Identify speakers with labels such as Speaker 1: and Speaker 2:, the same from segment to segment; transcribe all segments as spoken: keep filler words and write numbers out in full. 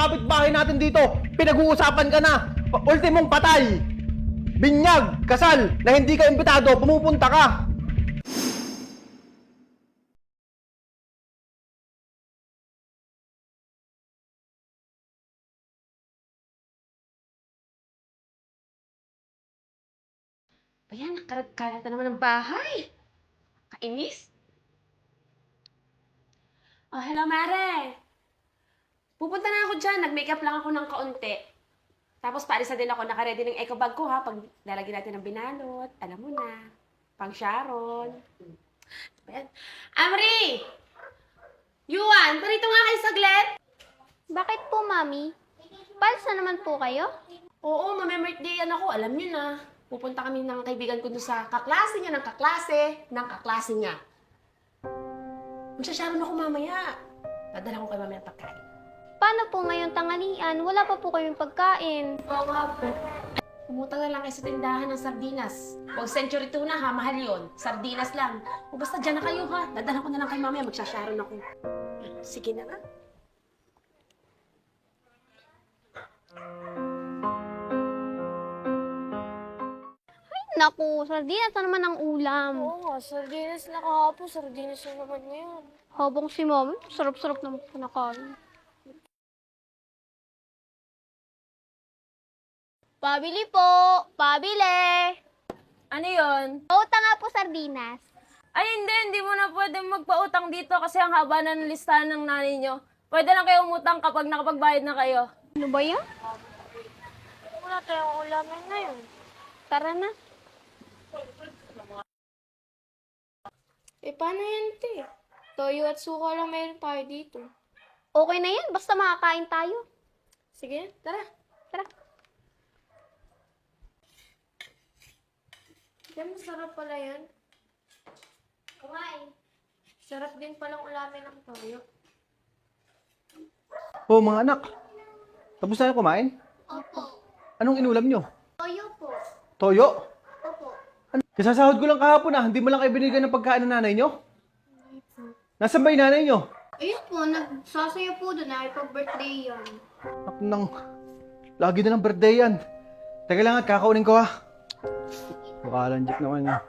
Speaker 1: kapitbahay natin dito, pinag-uusapan ka na. Pa- Ultimong patay. Binyag, kasal, na hindi ka imbitado, pumupunta ka.
Speaker 2: Ayan, karat-karat na naman ng bahay. Kainis. Oh, hello, Mare. Pupunta na ako dyan. Nag-makeup lang ako ng kaunti. Tapos paalis na din ako. Nakaready ng eco bag ko, ha? Pag lalagyan natin ng binalot. Alam mo na. Pang Sharon. Ayan. Amri! Yuan, parito nga kayo saglit.
Speaker 3: Bakit po, Mami? Pals na naman po kayo?
Speaker 2: Oo, mame-birthday yan ako. Alam niyo na. Pupunta kami ng kaibigan ko doon sa kaklase niya, ng kaklase, ng kaklase niya. Magsasharon ako mamaya. Padala ko kay mamaya ng pagkain.
Speaker 3: Paano po ngayon tanghalian? Wala pa po kayong pagkain.
Speaker 2: Oo nga po. Pumunta na lang kayo sa tindahan ng sardinas. Huwag century tuna ha, mahal yun. Sardinas lang. O basta dyan na kayo ha. Dadala ko na lang kay mamaya, magsasharon ako. Sige na nga.
Speaker 3: Naku, sardinas na naman ang ulam.
Speaker 4: Oo nga, sardinas na kahapon, sardinas na naman ngayon.
Speaker 3: Habang si Mami, sarap-sarap naman po nakain. Pabili po! Pabili!
Speaker 4: Ano yun?
Speaker 3: Pauta nga po sardinas.
Speaker 4: Ay hindi, hindi mo na pwede magpautang dito kasi ang haba na ng listahan ng nanay nyo. Pwede lang kayo umutang kapag nakapagbayad na kayo.
Speaker 3: Ano ba yan?
Speaker 4: Wala tayong ulamin ngayon.
Speaker 3: Tara na.
Speaker 4: Eh, paano yan, te? Toyo at suka lang mayroon tayo dito.
Speaker 3: Okay na yan, basta makakain tayo.
Speaker 4: Sige, tara.
Speaker 3: Tara.
Speaker 4: Diyan, masarap pala yan.
Speaker 3: Kumain.
Speaker 4: Sarap din palang ulamin ng toyo.
Speaker 1: Oh, mga anak. Tapos na kayo kumain?
Speaker 3: Opo.
Speaker 1: Anong inulam nyo?
Speaker 3: Toyo po.
Speaker 1: Toyo?
Speaker 3: Opo.
Speaker 1: Ano? Kasasahod ko lang kahapon ah. Hindi mo lang kayo binigyan ng pagkain ng nanay nyo? Nasaan ba yung nanay nyo?
Speaker 3: Ayun po, nagsasayo po doon. Nakipag-birthday yan.
Speaker 1: Ako nang... Lagi na ng birthday yan. Teka lang at kakaunin ko ha. Makalanjik naman yan.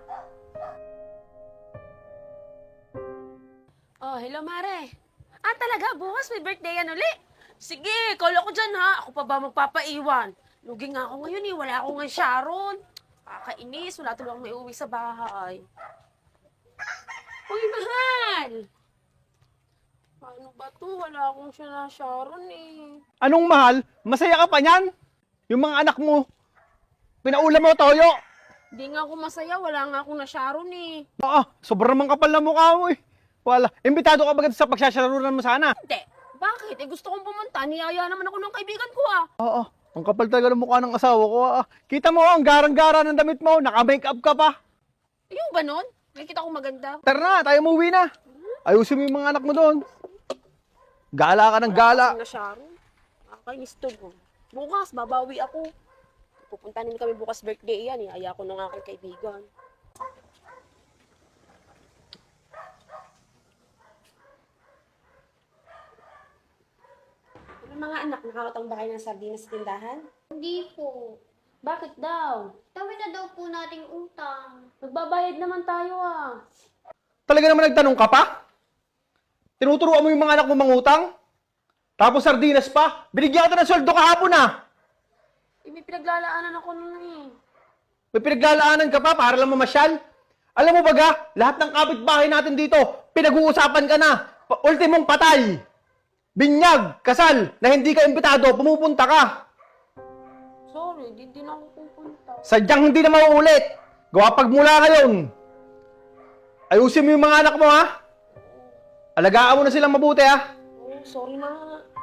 Speaker 2: Oh, hello, Mare. Ah, talaga? Bukas may birthday yan uli? Sige, call ako dyan ha. Ako pa ba magpapaiwan? Lugi nga ako ngayon eh. Wala akong nga Sharon. Kakainis. Wala tuloy akong may uwi sa bahay. Uy, mahal! Paano ba to? Wala akong siya na Sharon eh.
Speaker 1: Anong mahal? Masaya ka pa niyan? Yung mga anak mo, pinaulam mo toyo.
Speaker 2: Hindi nga ako masaya. Wala nga akong na Sharon eh.
Speaker 1: Oo, sobrang mang kapal na mukha mo eh. Wala. Imbitado ka ba sa pagsasyarunan mo sana?
Speaker 2: Hindi. Bakit? Eh gusto kong pumunta. Niyaya naman ako ng kaibigan ko ah.
Speaker 1: Oo, ang kapal talaga ng mukha ng asawa ko ah. Kita mo, ang garang-gara ng damit mo. Naka-makeup ka pa.
Speaker 2: Ayun ba nun? Nakikita ko maganda.
Speaker 1: Tara na, tayo umuwi na. Ayusin mo yung mga anak mo doon. Gala ka ng gala.
Speaker 2: Na Sharon. Nakakainis to mo. Bukas, babawi ako. Pupunta din kami bukas birthday yan. Iaya ko ng aking kaibigan. Ano mga anak, nakakatang ba kayo ng sardinas sa tindahan?
Speaker 3: Hindi po.
Speaker 2: Bakit daw?
Speaker 3: Tawin na daw po nating utang.
Speaker 2: Magbabayad naman tayo ah.
Speaker 1: Talaga naman nagtanong ka pa? Tinuturuan mo yung mga anak mo mangutang? Tapos sardinas pa? Binigyan kita ng sweldo kahapon ah.
Speaker 2: Eh, may pinaglalaanan ako nun eh.
Speaker 1: May pinaglalaanan ka pa para lang mamasyal? Alam mo baga, lahat ng kapitbahay natin dito, pinag-uusapan ka na. Pa- Ultimong patay. Binyag, kasal, na hindi ka imbitado, pumupunta ka.
Speaker 2: Sorry, di din ako pupunta.
Speaker 1: Sadyang hindi na mauulit. Gawa pagmula ngayon. Ayusin mo yung mga anak mo ha. Alagaan mo na silang mabuti ha.
Speaker 2: Oh, sorry na.